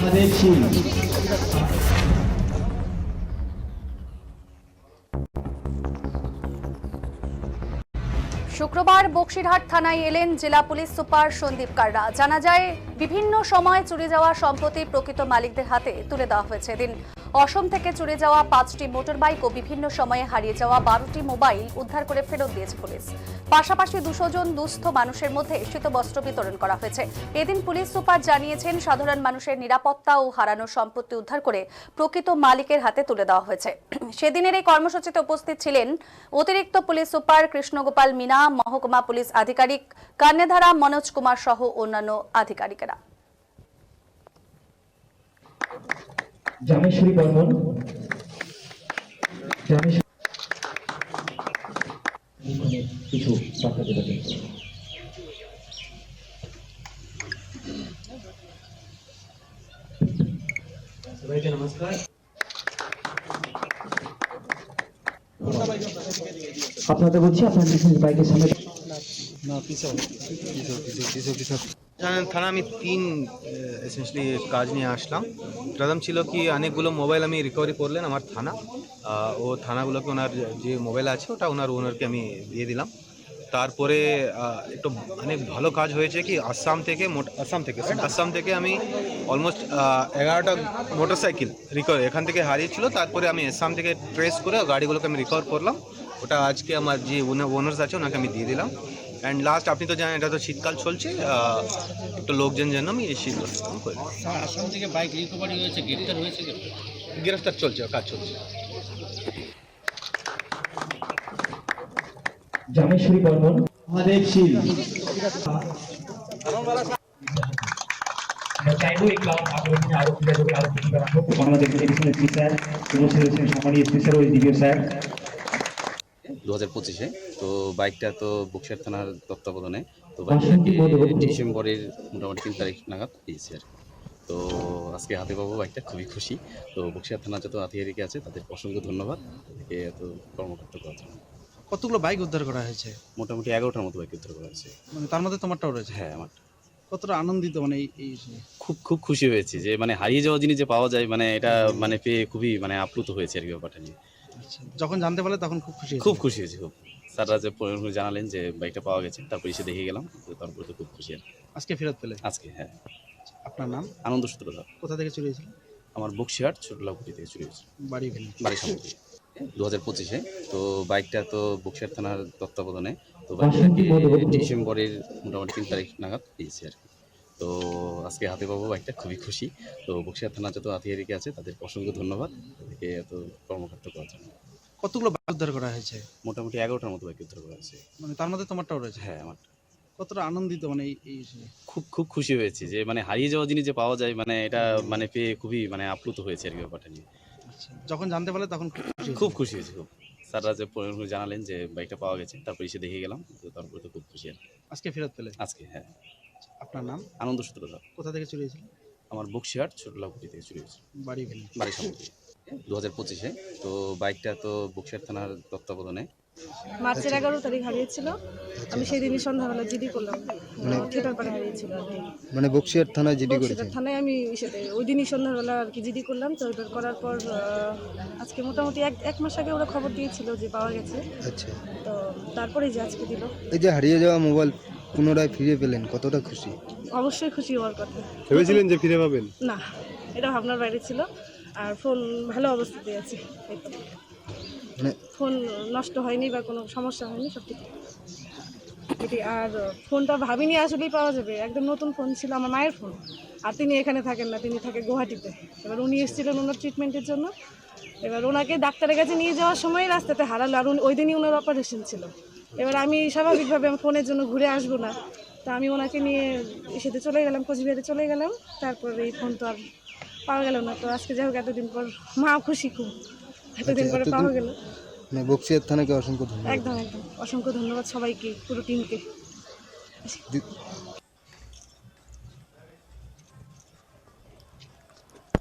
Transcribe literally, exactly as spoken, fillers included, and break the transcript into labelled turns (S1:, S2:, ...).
S1: শুক্রবার বক্সিরহাট থানায় এলেন জেলা পুলিশ সুপার সন্দীপ কাররা। জানা যায়, বিভিন্ন সময় চুরি যাওয়া সম্পত্তি প্রকৃত মালিকদের হাতে তুলে দেওয়া হয়েছে। এদিন অসম থেকে চুরি যাওয়া পাঁচটি মোটর বাইক ও বিভিন্ন সময়ে হারিয়ে যাওয়া বারোটি মোবাইল উদ্ধার করে ফেরত দিয়েছে পুলিশ। পাশাপাশি দুশো জন দুস্থ মানুষের মধ্যে শীতবস্ত্র বিতরণ করা হয়েছে। এদিন পুলিশ সুপার জানিয়েছেন, সাধারণ মানুষের নিরাপত্তা ও হারানো সম্পত্তি উদ্ধার করে প্রকৃত মালিকের হাতে তুলে দেওয়া হয়েছে। সেদিনের এই কর্মসূচিতে উপস্থিত ছিলেন অতিরিক্ত পুলিশ সুপার কৃষ্ণগোপাল মিনা, মহকুমা পুলিশ আধিকারিক কন্যাধারা মনোজ কুমার সহ অন্যান্য আধিকারিকেরা।
S2: জামেশ্বরী বর্মন কিছু বার্তা দেবেন। সবাইকে নমস্কার। আপনাদের বলছি আপনাদের বাইকের সামনে
S3: জানেন, থানা আমি তিন এসেন্সিয়ালি কাজ নিয়ে আসলাম। প্রথম ছিল কি অনেকগুলো মোবাইল আমি রিকভারি করলেন আমার থানা, ও থানাগুলোকে ওনার যে মোবাইল আছে ওটা ওনার ওনারকে আমি দিয়ে দিলাম। তারপরে একটু অনেক ভালো কাজ হয়েছে কি আসাম থেকে আসাম থেকে আসাম থেকে আমি অলমোস্ট এগারোটা মোটরসাইকেল রিকভার এখান থেকে হারিয়েছিল। তারপরে আমি আসাম থেকে ট্রেস করে গাড়িগুলোকে আমি রিকভার করলাম। ওটা আজকে আমার যে ওনার্স আছে ওনাকে আমি দিয়ে দিলাম। অ্যান্ড লাস্ট আপনি তো জানেন এটা তো শীতকাল চলছে, একটু লোকজন যেন আমি এই শীত
S4: আসাম থেকে বাইক রিকভারি হয়েছে, গ্রেফতার হয়েছে,
S3: গ্রেফতার চলছে, কাজ চলছে।
S2: জামেশ্বরী বর্মন আমাদের শীল চাইবো এই ক্লাব আগ্রহী আরো যোগাযোগ আরো বেশি করা হোক। আমাদের এডিশনাল এসপি স্যার উপস্থিত রয়েছেন সম্মানীয় স্পেশাল ওই ডিভিও স্যার।
S5: দু হাজার পঁচিশে তো বাইকটা তো বক্সিরহাট থানার তত্ত্বাবধানে তো ডিসেম্বরের মোটামুটি তিন তারিখ নাগাদ পেয়েছি আর তো আজকে হাতে পাবো বাইকটা, খুবই খুশি। তো বক্সিরহাট থানা যত আধিকারিক আছে তাদের অসংখ্য ধন্যবাদ একে এত কর্মকর্তা করার জন্য।
S4: কতগুলো বাইক উদ্ধার করা হয়েছে?
S5: মোটামুটি এগারোটার মতো বাইক উদ্ধার করা হয়েছে।
S4: মানে তার মধ্যে তোমারটাও রয়েছে?
S5: হ্যাঁ, আমার।
S4: কতটা আনন্দিত মানে এই
S5: খুব খুব খুশি হয়েছি যে মানে হারিয়ে যাওয়া জিনিস যে পাওয়া যায়, মানে এটা মানে পেয়ে খুবই মানে আপ্লুত হয়েছে আর কি ব্যাপারটা নিয়ে।
S4: যখন জানতে পারলে তখন খুব খুশি
S5: খুব খুশি হয়েছি খুব। স্যাররা যে জানালেন যে বাইকটা পাওয়া গেছে, তারপর এসে দেখে গেলাম, তারপরে তো খুব খুশি আর
S4: আজকে ফেরত পেলে?
S5: আজকে, হ্যাঁ।
S4: আপনার নাম?
S5: আনন্দ সূত্রধর।
S4: কোথা থেকে চুরি হয়েছিল?
S5: আমার বক্সিরহাট ছোটলাপুরি থেকে চুরি হয়েছিল।
S4: বাড়ি
S5: বাড়ির সামনে দু হাজার পঁচিশে তো বাইকটা তো বক্সিরহাট থানার তত্ত্বাবধানে তো ডিসেম্বরের মোটামুটি তিন তারিখ নাগাদ পেয়েছি আর কি। তো আজকে হাতে পাবো বাইকটা, খুবই খুশি। তো বক্সিরহাট থানা যত আধিকারিক আছে তাদের অসংখ্য ধন্যবাদ একে এত কর্মকর্তা করার জন্য।
S4: কতগুলো বাইক উদ্ধার করা হয়েছে?
S5: মোটামুটি এগারোটার মতো বাইক উদ্ধার করা হয়েছে।
S4: মানে তার মধ্যে তোমারটাও রয়েছে?
S5: হ্যাঁ, আমার।
S4: কতটা আনন্দিত মানে এই
S5: খুব খুব খুশি হয়েছি যে মানে হারিয়ে যাওয়া জিনিস যে পাওয়া যায়, মানে এটা মানে পেয়ে খুবই মানে আপ্লুত হয়েছে আর কি ব্যাপারটা নিয়ে।
S4: যখন জানতে পারলে তখন
S5: খুব খুশি হয়েছি খুব। স্যাররা যে জানালেন যে বাইকটা পাওয়া গেছে, তারপর এসে দেখে গেলাম, তারপরে তো খুব খুশি আর কি।
S4: আজকে ফেরত পেলে?
S5: আজকে, হ্যাঁ।
S4: আপনার নাম?
S5: আনন্দ সূত্রধর।
S4: কোথা থেকে চুরি হয়েছিল?
S5: আমার বক্সিরহাট ছোটলাপুরি থেকে চুরি হয়েছিল।
S4: বাড়ি
S5: বাড়ির সামনে দু হাজার পঁচিশে তো বাইকটা তো বক্সিরহাট থানার তত্ত্বাবধানে
S6: মার্চের এগারো তারিখ হারিয়েছিল। আমি সেই দিনই সন্ধ্যাবেলা জিডি করলাম, মানে থিয়েটার পাড়ে হারিয়েছিল আর কি।
S7: মানে বক্সিরহাট থানায় জিডি করেছেন?
S6: বক্সিরহাট থানায় আমি সাথে ওই দিনই সন্ধ্যাবেলা আর কি জিডি করলাম। তো ওটা করার পর আজকে মোটামুটি এক এক মাস আগে ওরা খবর দিয়েছিল যে পাওয়া গেছে।
S7: আচ্ছা,
S6: তো তারপরে যে আজকে দিল।
S7: এই যে হারিয়ে যাওয়া মোবাইল পুনরায় ফিরে পেলেন, কতটা খুশি?
S6: অবশ্যই খুশি হওয়ার কথা।
S7: ভেবেছিলেন যে ফিরে পাবেন?
S6: না, এটা ভাবনার বাইরে ছিল। আর ফোন ভালো অবস্থাতে আছে, মানে ফোন নষ্ট হয়নি বা কোনো সমস্যা হয়নি, সব ঠিক। আর ফোনটা ভাবিনি আসলেই পাওয়া যাবে, একদম নতুন ফোন ছিল, আমার মায়ের ফোন। আর তিনি এখানে থাকেন না, তিনি থাকে গুয়াহাটিতে। এবার উনি এসেছিলেন ওনার ট্রিটমেন্টের জন্য। এবার ওনাকে ডাক্তারের কাছে নিয়ে যাওয়ার সময় রাস্তাতে হারালো, আর ওই দিনই ওনার অপারেশন ছিল। এবার আমি স্বাভাবিকভাবে আমি ফোনের জন্য ঘুরে আসবো না, তা আমি ওনাকে নিয়ে এসেতে চলে গেলাম, কোচবিহারে চলে গেলাম। তারপর এই ফোন তো আর পাওয়া গেল না। তো আজকে যাই হোক এতদিন পর মা খুশি খুব, এতদিন পরে পাওয়া গেল।
S7: বক্সিরহাট থানাকে অসংখ্য ধন্যবাদ।
S6: একদম একদম অসংখ্য ধন্যবাদ সবাইকে, পুরো টিমকে।